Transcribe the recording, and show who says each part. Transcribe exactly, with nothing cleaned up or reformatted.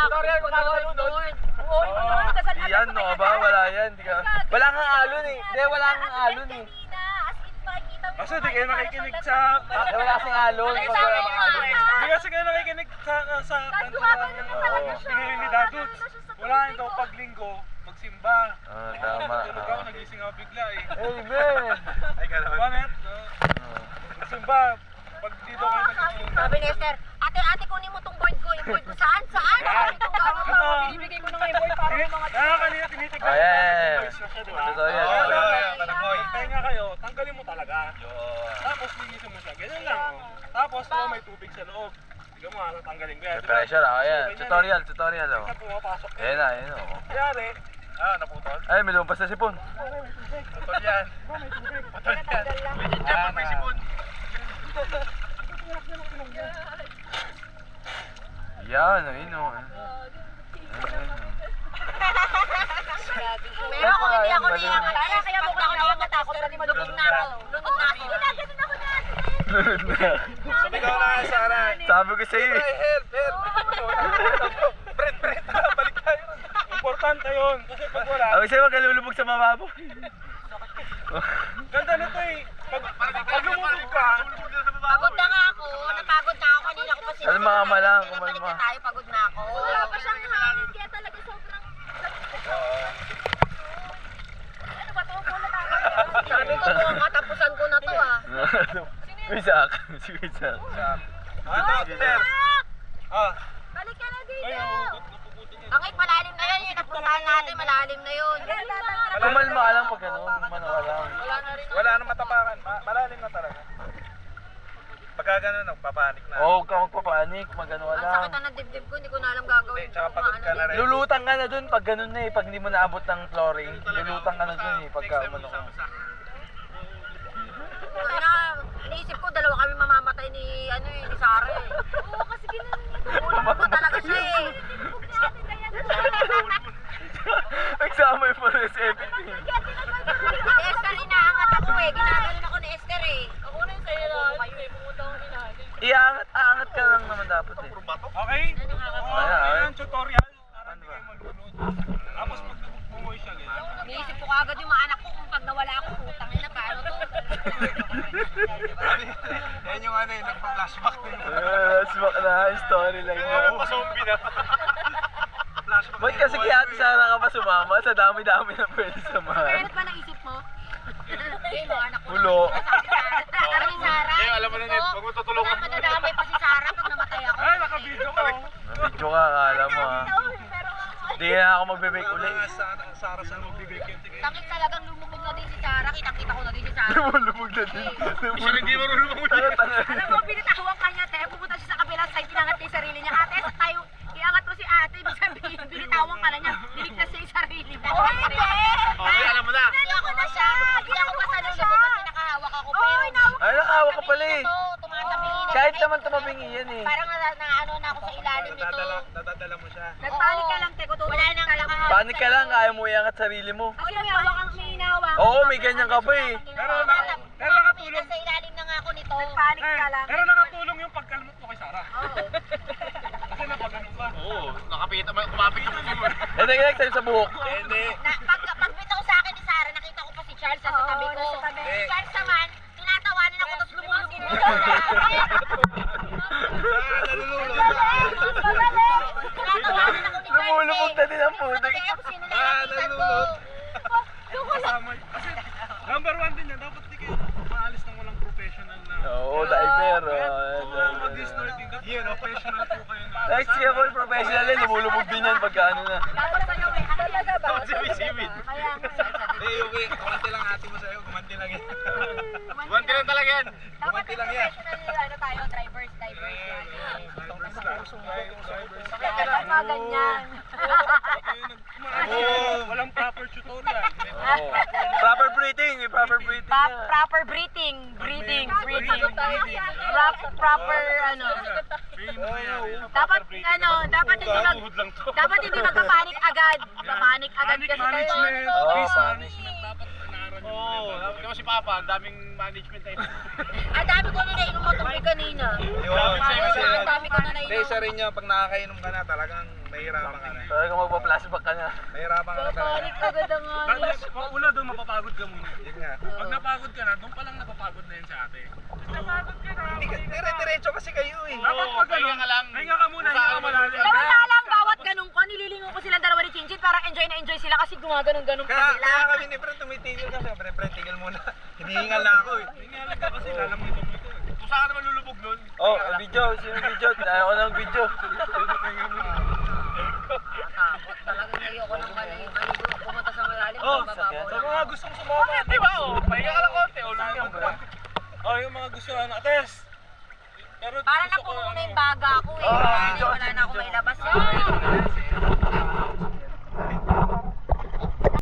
Speaker 1: tutorial kung gagawin doon.
Speaker 2: Oo,
Speaker 3: Yan no ba? Wala yan. Di ka... Wala kang alon eh. Hindi, wala kang alon eh.
Speaker 4: Kasi di kayo nakikinig sa...
Speaker 3: Eh, wala kasing alon. Pag wala kang alon eh.
Speaker 4: Di kasi kayo nakikinig sa... sa kanta ng pinili ni Daduts. Wala yun daw pag linggo, magsimba.
Speaker 3: Ah, tama.
Speaker 4: Tulog ako, nagising ako bigla eh.
Speaker 3: Amen!
Speaker 4: Ay, ka naman. Bakit? Magsimba. Pag dito kayo nagsimba.
Speaker 2: Sabi ni Esther, ate, ate, kunin mo tong board ko. Yung board ko saan? Saan? Itong gano'n mo. Binibigay ko na nga yung board para yung mga...
Speaker 4: Kaya kanina tinitignan
Speaker 3: Oh, yeah.
Speaker 4: voice na siya, di ba?
Speaker 3: Tutorial.
Speaker 4: Oo,
Speaker 3: tutorial.
Speaker 4: Tenga kayo, tanggalin mo talaga. Tapos linisin mo siya. Ganyan lang. oh. Tapos oh, may tubig sa loob. Tignan mo, ah, tanggalin ko yan.
Speaker 3: May pressure ako yan. Tutorial, tutorial oh.
Speaker 4: Kasi pumapasok.
Speaker 3: Ayan na, ayan oh.
Speaker 4: Kayari. Ah, naputol?
Speaker 3: Ay, may lumpas na sipon.
Speaker 4: Putol yan. Putol yan. Legit yan pag may sipon.
Speaker 3: Yan, ayun oh.
Speaker 2: Pero ako hindi ako niyangat. Kaya kaya mo ako niyangat ako. Lubog na ako. Lubog na ako. Ginaganon ako na.
Speaker 3: Lunod na.
Speaker 4: Sabi ko na, Sarah.
Speaker 3: Sabi ko sa'yo eh.
Speaker 4: Help, help. Fred, Fred, balik tayo. Importante yun. Kasi pag wala.
Speaker 3: Sabi sa'yo, wag ka lulubog sa mababaw.
Speaker 4: Ganda nito eh. Pag, pag lumubog ka,
Speaker 2: Pagod na nga ako. Napagod na ako. Kanina ko pa sinabi.
Speaker 3: Alam mga malang,
Speaker 2: Balik
Speaker 3: kumalma.
Speaker 2: na tayo. Pagod na ako. Wala pa siyang hangin. Kaya talaga sobrang... Ano ba ito? Mula tayo. Sabi ko po, katapusan ko na to ah.
Speaker 3: Isaac. Sige, Isaac.
Speaker 4: ah, Sir. Ah.
Speaker 2: Balik ka na
Speaker 4: Ay,
Speaker 2: dito.
Speaker 4: napuputot, napuputot yun.
Speaker 2: Angit, malalim na yun. Yung napuntahan natin, malalim na yun.
Speaker 3: Kumalma ka lang pag gano'n. Kumano ka lang.
Speaker 4: Wala nang matapakan. Ma malalim na talaga. Pagka gano'n, nagpapanik na.
Speaker 3: Oo, huwag ka magpapanik. Magano ka
Speaker 2: Ang
Speaker 3: lang.
Speaker 2: sakit na ng dibdib ko, hindi ko na alam gagawin.
Speaker 4: Hindi, tsaka pagod ka na rin.
Speaker 3: Lulutang ka na dun pag ganun na eh. Pag hindi mo naabot ng flooring. Lulutang ka na dun eh. Pagka umano ka.
Speaker 2: Ay na, iniisip ko, dalawa kami mamamatay ni, ano eh, ni Sarah eh. Oo, kasi ginanon niya. Tulog ko talaga siya eh.
Speaker 3: Nagsama yung pares everything.
Speaker 2: Esther, inaangat ako eh. Ginaganon ako ni Esther eh. Ako na yung sa'yo na. Kayo eh, pumunta akong inaangat.
Speaker 3: Iangat, aangat ka lang naman dapat eh.
Speaker 4: Okay? Oo,
Speaker 3: Ayan,
Speaker 4: ayan,
Speaker 3: ayan.
Speaker 4: tutorial. Para hindi kayo malulod. Tapos pag bumuhay siya, ganyan.
Speaker 2: Iniisip ko kagad yung mga anak ko kung pag nawala ako, putang ina, paano to?
Speaker 4: Yan yung ano eh, nagpa-flashback din.
Speaker 3: Let's back na storyline mo.
Speaker 4: Zombie na. Flashback.
Speaker 3: Ba't kasi kaya Ate Sarah ka pa sumama? Sa dami-dami na pwede samahan.
Speaker 2: Meron ba naisip mo? Hindi, mga anak ko.
Speaker 3: Ulo.
Speaker 2: Sabi ni Sarah.
Speaker 4: Eh, alam mo na, Ned, wag mo tutulungan.
Speaker 2: Wala madadamay pa si Sarah pag namatay ako.
Speaker 4: Ay, naka-video ka.
Speaker 3: Nabidyo ka, akala mo ha. Hindi na ako magbe-bake ulit.
Speaker 4: Sarah, saan magbibake yun?
Speaker 2: Takit talagang lumubog na din si Sarah. Kitang-kita ko na din si Sarah.
Speaker 3: Lumulubog na din.
Speaker 4: Siya hindi marunong
Speaker 3: Tanga, tanga.
Speaker 2: Alam mo, binitawan kanya, te. Pupunta siya sa kabilang side, inangat niya yung sarili niya. Ate, sa tayo, iangat mo si ate. Ibig sabihin, binitawan ka na niya. Biligtas siya yung sarili mo. Oh, hindi!
Speaker 4: Okay, alam mo na.
Speaker 2: Hindi ako na siya. Hindi ako pa sa lulubog kasi nakahawak ako. Pero,
Speaker 3: Ay, nakawa ka pala eh.
Speaker 2: ito, tumatabingin na.
Speaker 3: Kahit naman tumabingi yan eh.
Speaker 2: Parang na, na ano na ako sa ilalim nito.
Speaker 4: Nadadala, nadadala mo siya.
Speaker 2: Nagpanik ka lang, te. Wala nang nakahawak.
Speaker 3: Panik ka lang, kaya mo iangat sarili mo.
Speaker 2: Kasi may hawak ang may hinawak.
Speaker 3: Oo, may ganyan ka pa eh.
Speaker 4: Pero, na- pero nakatulong.
Speaker 2: Nasa ilalim na nga ako nito.
Speaker 5: Nagpanik
Speaker 4: Eh,
Speaker 5: ka lang.
Speaker 4: pero nakatulong yung pagkalmot mo kay Sarah.
Speaker 2: Oo.
Speaker 4: Kasi napagano ka. Oo, nakapita mo, kumapit yung mo.
Speaker 3: Eh, nag-next time sa buhok.
Speaker 4: Hindi.
Speaker 2: Na, pag, pag bitaw sa akin ni Sarah, nakita ko pa si Charles sa
Speaker 5: Oo,
Speaker 2: tabi ko.
Speaker 5: nasa tabi.
Speaker 2: Si Charles naman, tinatawanan ako tapos lumulubog mo. Tinatawanan ako ni Charles.
Speaker 3: Lumulubog na din ang putik.
Speaker 2: Kaya ako sinulalapitan ko.
Speaker 4: Kasama. Kasi number one din yan. Dapat di kayo maalis ng walang professional na.
Speaker 3: Oo, diaper.
Speaker 4: Oo, mag-destroy din. Yan, professional po kayo na.
Speaker 3: Next year po, professional eh. Lumulubog din yan pagka ano na.
Speaker 2: Dapat sa'yo eh. Ano talaga ba?
Speaker 4: Sibid-sibid.
Speaker 2: Kaya nga.
Speaker 4: Eh, okay. Kumanti lang ate mo sa'yo. Kumanti lang yan. Kumanti lang talaga yan.
Speaker 2: Dapat
Speaker 4: Kumanti lang yan.
Speaker 2: professional ano tayo, drivers, divers yan.
Speaker 5: Dapat mga ganyan.
Speaker 4: Oo, walang proper tutorial.
Speaker 3: Oo. Proper breathing, may proper breathing
Speaker 5: Pa-
Speaker 3: na.
Speaker 5: proper breathing, breathing, breathing. Prop- proper ano. Dapat ano, dapat hindi mag dapat hindi magpapanik agad. Papanik agad
Speaker 4: Panic
Speaker 5: kasi
Speaker 4: management.
Speaker 3: Oo,
Speaker 4: Risk
Speaker 3: panic.
Speaker 4: management. Dapat inaral nyo. Oo, kaya si Papa, ang daming management tayo.
Speaker 2: Ang dami ko na nainom mo tubig kanina.
Speaker 4: Yun,
Speaker 2: Ang dami ko na
Speaker 4: Hindi,
Speaker 2: nainom.
Speaker 4: isa rin yun, pag nakakainom ka na, talagang
Speaker 1: Nahihirapan ka na.
Speaker 3: Talagang magpa-flashback ka na.
Speaker 1: Nahihirapan ka na talaga.
Speaker 5: Papanik agad ang
Speaker 4: Dahil,
Speaker 5: hangin.
Speaker 4: una doon mapapagod ka muna.
Speaker 1: Yun nga.
Speaker 4: Pag napagod ka na, doon pa lang napapagod na yun sa ate. Napagod ka na.
Speaker 1: Hindi ka, dire-diretso kasi kayo eh.
Speaker 4: Dapat pag ganun, hinga ka muna, hinga ka malalim.
Speaker 2: Samantalang bawat ganun ko, nililingon ko silang dalawa ni Chinchin para enjoy na enjoy sila kasi gumaganon-ganon pa
Speaker 1: Kaya,
Speaker 2: sila.
Speaker 1: kaya kami ni Fred tumitigil kami. Pre, Fred, tigil muna. Hinihingal na ako eh.
Speaker 4: Hinga lang ka kasi lalamunin mo ito. Kung saan ka naman lulubog nun,
Speaker 3: Oh, video. Sino video? Ayaw ko ng video.
Speaker 4: hinga muna.
Speaker 5: Takot talaga ngayon ko ng maligo. Pumunta sa malalim.
Speaker 4: Oh,
Speaker 5: mababaw
Speaker 4: sa
Speaker 5: lang.
Speaker 4: mga gustong sumama, di ba? Oh, pahinga ka lang konti. O, lang ka. Oh, yung mga gusto ano, ates. Pero
Speaker 2: Parang
Speaker 4: gusto ko,
Speaker 2: napuno na
Speaker 4: ano,
Speaker 2: yung baga ko eh.
Speaker 3: Oh,
Speaker 2: Wala
Speaker 3: video,
Speaker 2: wala na akong
Speaker 3: video.
Speaker 2: mailabas yan.